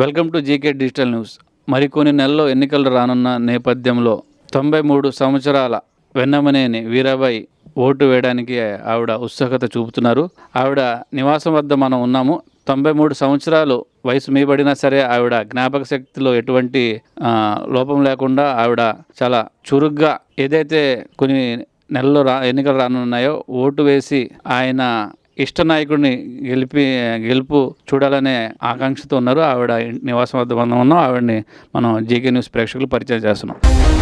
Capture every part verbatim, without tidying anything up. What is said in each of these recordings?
Welcome to GK digital news. మరికొన్ని నెలల్లో ఎన్నికలు రానున్న నేపథ్యంలో తొంభై మూడు సంవత్సరాల వెన్నమనేని వీరాబాయి ఓటు వేయడానికి ఆవిడ ఉత్సుకత చూపుతున్నారు. ఆవిడ నివాసం వద్ద మనం ఉన్నాము. తొంభై మూడు సంవత్సరాలు వయసు మీబడినా సరే ఆవిడ జ్ఞాపక శక్తిలో ఎటువంటి లోపం లేకుండా ఆవిడ చాలా చురుగ్గా ఏదైతే కొన్ని నెలల్లో రా ఎన్నికలు రానున్నాయో ఓటు వేసి ఆయన ఇష్ట నాయకుడిని గెలిపి గెలుపు చూడాలనే ఆకాంక్షతో ఉన్నారు. ఆవిడ నివాసం వద్ద మనం ఉన్నాం. ఆవిడని మనం జీకే న్యూస్ ప్రేక్షకులు పరిచయం చేస్తున్నాం.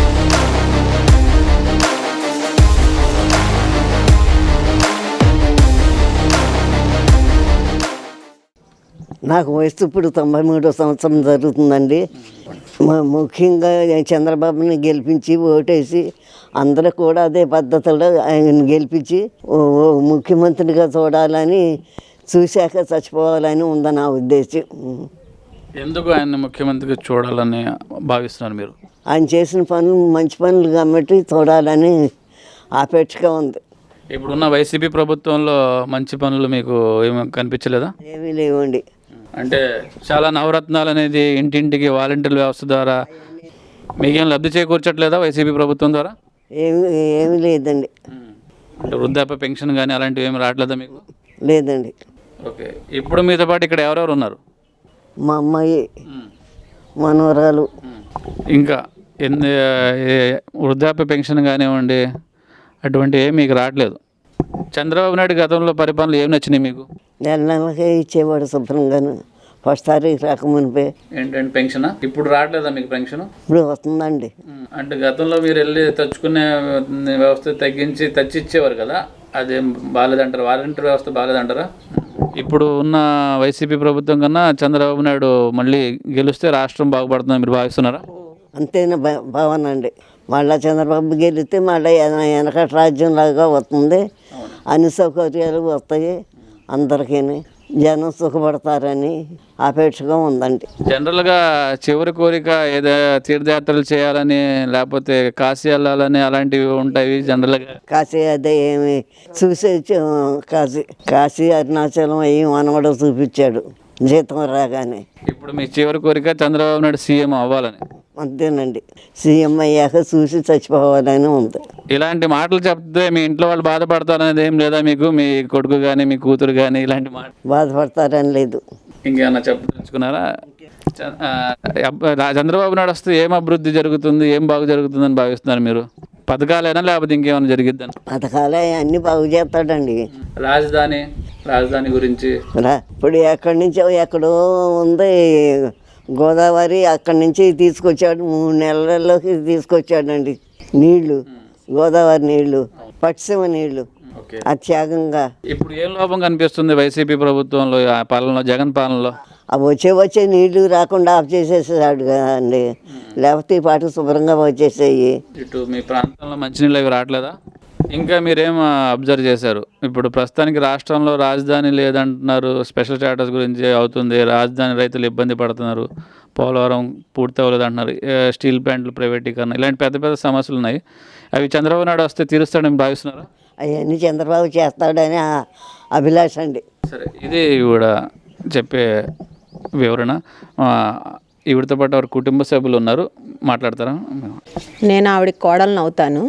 నాకు వయసు ఇప్పుడు తొంభై మూడో సంవత్సరం జరుగుతుందండి. ముఖ్యంగా చంద్రబాబుని గెలిపించి ఓటేసి అందరూ కూడా అదే పద్ధతిలో ఆయన గెలిపించి ముఖ్యమంత్రిగా చూడాలని, చూశాక చచ్చిపోవాలని ఉందని నా ఉద్దేశం. ఎందుకు ఆయన ముఖ్యమంత్రిగా చూడాలని భావిస్తున్నారు మీరు? ఆయన చేసిన పనులు మంచి పనులు కాబట్టి చూడాలని ఆపేక్షగా ఉంది. ఇప్పుడున్న వైసీపీ ప్రభుత్వంలో మంచి పనులు మీకు ఏమి కనిపించలేదా? ఏమీ లేవండి. అంటే చాలా నవరత్నాలు అనేది ఇంటింటికి వాలంటీర్ వ్యవస్థ ద్వారా మీకేం లబ్ధి చేకూర్చట్లేదా వైసీపీ ప్రభుత్వం ద్వారా? ఏమి ఏమీ లేదండి. అంటే వృద్ధాప్య పెన్షన్ కానీ అలాంటివి ఏమి రావట్లేదా మీకు? లేదండి. ఓకే, ఇప్పుడు మీతో పాటు ఇక్కడ ఎవరెవరు ఉన్నారు? మా అమ్మాయి, మనవరాలు. ఇంకా ఎన్ని వృద్ధాప్య పెన్షన్ కానివ్వండి అటువంటివి ఏమి మీకు రావట్లేదు. చంద్రబాబు నాయుడు గతంలో పరిపాలనలు ఏమి నచ్చినాయి మీకు? నెల నెలకే ఇచ్చేవాడు శుభ్రంగాను. ఫస్ట్ తారీఖు రాకమునిపే. ఏంటంటే పెన్షన్ ఇప్పుడు రావట్లేదా మీకు? పెన్షన్ ఇప్పుడు వస్తుందండి. అంటే గతంలో మీరు వెళ్ళి తెచ్చుకునే వ్యవస్థ తగ్గించి తెచ్చి ఇచ్చేవారు కదా, అదేం బాగాలేదంటారా? వాలంటీర్ వ్యవస్థ బాగాలేదంటారా? ఇప్పుడు ఉన్న వైసీపీ ప్రభుత్వం కన్నా చంద్రబాబు నాయుడు మళ్ళీ గెలిస్తే రాష్ట్రం బాగుపడుతుందని మీరు భావిస్తున్నారా? అంతేనా భావన అండి. మళ్ళీ చంద్రబాబు గెలిస్తే మళ్ళీ వెనకటి రాజ్యం లాగా వస్తుంది. అన్ని సౌకర్యాలు వస్తాయి అందరికీ, జనం సుఖపడతారని ఆపేక్షగా ఉందండి. జనరల్గా చివరి కోరిక ఏదో తీర్థయాత్రలు చేయాలని, లేకపోతే కాశీ వెళ్ళాలని అలాంటివి ఉంటాయి జనరల్గా. కాశీ అదే ఏమి చూసే కాశీ కాశీ అరుణాచలం అవి మనవడు చూపించాడు జీతం రాగానే. ఇప్పుడు మీ చివరి కోరిక చంద్రబాబు నాయుడు సీఎం అవ్వాలని? అంతేనండి. సీఎం అయ్యాక చూసి చచ్చిపోవాలని ఉంది. ఇలాంటి మాటలు చెప్తే మీ ఇంట్లో వాళ్ళు బాధపడతారనేది ఏం లేదా మీకు? మీ కొడుకు కానీ మీ కూతురు కానీ ఇలాంటి మాట బాధపడతారని లేదు. ఇంకేమన్నా చెప్పదలుచుకున్నారా? చంద్రబాబు నాయుడు వస్తే ఏం అభివృద్ధి జరుగుతుంది, ఏం బాగు జరుగుతుందని భావిస్తున్నారు మీరు? పథకాలైనా లేకపోతే ఇంకేమైనా జరిగిద్దని? పథకాలే అన్నీ బాగు చేస్తాడండి. రాజధాని రాజధాని గురించి ఇప్పుడు ఎక్కడి నుంచో ఎక్కడో ఉంది గోదావరి, అక్కడి నుంచి తీసుకొచ్చాడు. మూడు నెలల్లోకి తీసుకొచ్చాడండి నీళ్లు, గోదావరి నీళ్లు, పట్టిసీమ నీళ్లు అత్యాగంగా. ఇప్పుడు ఏం లోపం కనిపిస్తుంది వైసీపీ ప్రభుత్వంలో, ఆ పాలనలో, జగన్ పాలనలో? అవి వచ్చే వచ్చే నీళ్లు రాకుండా ఆఫ్ చేసేసాడు కదండి. లేకపోతే ఈ పాటు శుభ్రంగా వచ్చేసాయి. ఇటు మీ ప్రాంతంలో మంచినీళ్ళు అవి రావట్లేదా? ఇంకా మీరేం అబ్జర్వ్ చేశారు? ఇప్పుడు ప్రస్తుతానికి రాష్ట్రంలో రాజధాని లేదంటున్నారు, స్పెషల్ స్టేటస్ గురించి అవుతుంది, రాజధాని రైతులు ఇబ్బంది పడుతున్నారు, పోలవరం పూర్తి అవ్వలేదు అంటున్నారు, స్టీల్ ప్లాంట్లు ప్రైవేటీకరణ, ఇలాంటి పెద్ద పెద్ద సమస్యలు ఉన్నాయి. అవి చంద్రబాబు నాయుడు వస్తే తీరుస్తాడని భావిస్తున్నారా? అవన్నీ చంద్రబాబు చేస్తాడని అభిలాష అండి. సరే, ఇది కూడా చెప్పే వివరణ. ఈవిడతో పాటు వారి కుటుంబ సభ్యులు ఉన్నారు, మాట్లాడతారా? నేను ఆవిడకి కోడలను అవుతాను.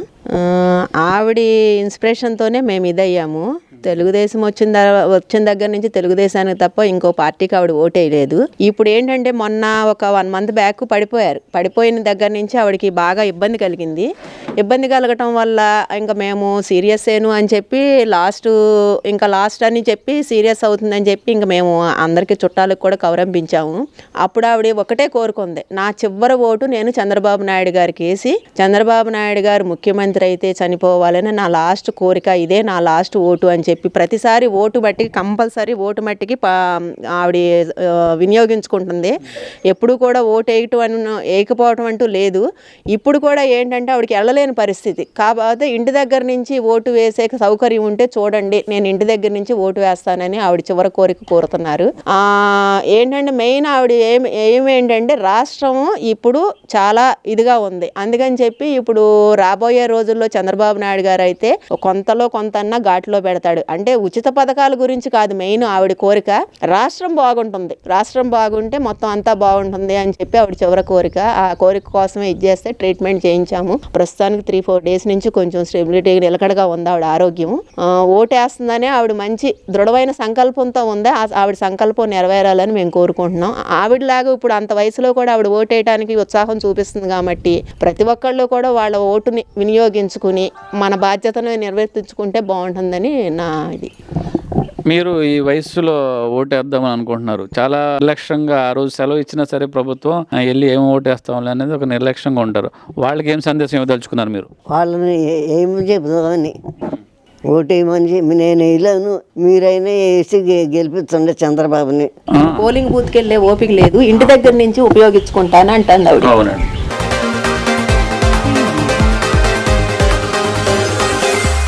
ఆవిడ ఇన్స్పిరేషన్తోనే మేము ఇదయ్యాము. తెలుగుదేశం వచ్చిన వచ్చిన దగ్గర నుంచి తెలుగుదేశానికి తప్ప ఇంకో పార్టీకి ఆవిడ ఓటేయలేదు. ఇప్పుడు ఏంటంటే మొన్న ఒక వన్ మంత్ బ్యాక్ పడిపోయారు. పడిపోయిన దగ్గర నుంచి ఆవిడకి బాగా ఇబ్బంది కలిగింది. ఇబ్బంది కలగటం వల్ల ఇంకా మేము సీరియస్ ఏను అని చెప్పి లాస్ట్ ఇంకా లాస్ట్ అని చెప్పి సీరియస్ అవుతుందని చెప్పి ఇంకా మేము అందరికీ చుట్టాలకు కూడా కౌరంపించాము. అప్పుడు ఆవిడ ఒకటే కోరుకుంది, నా చివరి ఓటు నేను చంద్రబాబు నాయుడు గారికి వేసి చంద్రబాబు నాయుడు గారు ముఖ్యమంత్రి అయితే చనిపోవాలని నా లాస్ట్ కోరిక, ఇదే నా లాస్ట్ ఓటు అని చెప్పి ప్రతిసారి ఓటు బట్టి కంపల్సరీ ఓటు మట్టికి ఆవిడ వినియోగించుకుంటుంది. ఎప్పుడు కూడా ఓటు వేయటం అని వేయకపోవటం అంటూ లేదు. ఇప్పుడు కూడా ఏంటంటే ఆవిడకి వెళ్ళలేని పరిస్థితి. కాకపోతే ఇంటి దగ్గర నుంచి ఓటు వేసే సౌకర్యం ఉంటే చూడండి, నేను ఇంటి దగ్గర నుంచి ఓటు వేస్తానని ఆవిడ చివరి కోరిక కోరుతున్నారు. ఏంటంటే మెయిన్ ఆవిడ ఏం ఏమేంటంటే రాష్ట్రం ఇప్పుడు చాలా ఇదిగా ఉంది. అందుకని చెప్పి ఇప్పుడు రాబోయే రోజుల్లో చంద్రబాబు నాయుడు గారు అయితే కొంతలో కొంత ఘాట్లో పెడతాడు. పథకాలు అంటే ఉచిత పథకాల గురించి కాదు మెయిన్ ఆవిడ కోరిక, రాష్ట్రం బాగుంటుంది, రాష్ట్రం బాగుంటే మొత్తం అంతా బాగుంటుంది అని చెప్పి ఆవిడ చివరి కోరిక. ఆ కోరిక కోసమే ఇది చేస్తే ట్రీట్మెంట్ చేయించాము. ప్రస్తుతానికి త్రీ ఫోర్ డేస్ నుంచి కొంచెం స్టెబిలిటీ నిలకడగా ఉంది ఆవిడ ఆరోగ్యం. ఓటేస్తుందనే ఆవిడ మంచి దృఢమైన సంకల్పంతో ఉంది. ఆవిడ సంకల్పం నెరవేరాలని మేము కోరుకుంటున్నాం. ఆవిడలాగా ఇప్పుడు అంత వయసులో కూడా ఆవిడ ఓటేయడానికి ఉత్సాహం చూపిస్తుంది కాబట్టి ప్రతి ఒక్కళ్ళు కూడా వాళ్ళ ఓటుని వినియోగించుకుని మన బాధ్యతను నిర్వర్తించుకుంటే బాగుంటుందని నా ఇది. మీరు ఈ వయస్సులో ఓటేద్దామని అనుకుంటున్నారు, చాలా నిర్లక్ష్యంగా ఆ రోజు సెలవు ఇచ్చినా సరే ప్రభుత్వం "ఆ, వెళ్ళి ఏం ఓటేస్తాం" అనేది ఒక నిర్లక్ష్యంగా ఉంటారు. వాళ్ళకి ఏం సందేశం ఇవ్వదలుచుకున్నారు మీరు? వాళ్ళని ఏ- ఏమి చెబుదామని ఓటేయమని చెప్పి నేను వేయలేను, మీరైనా వేసి గె- గెలిపించండి చంద్రబాబుని. పోలింగ్ బూత్కి వెళ్ళే ఓపిక లేదు, ఇంటి దగ్గర నుంచి ఉపయోగించుకుంటాను అంటుంది ఆవిడ. అవునండి.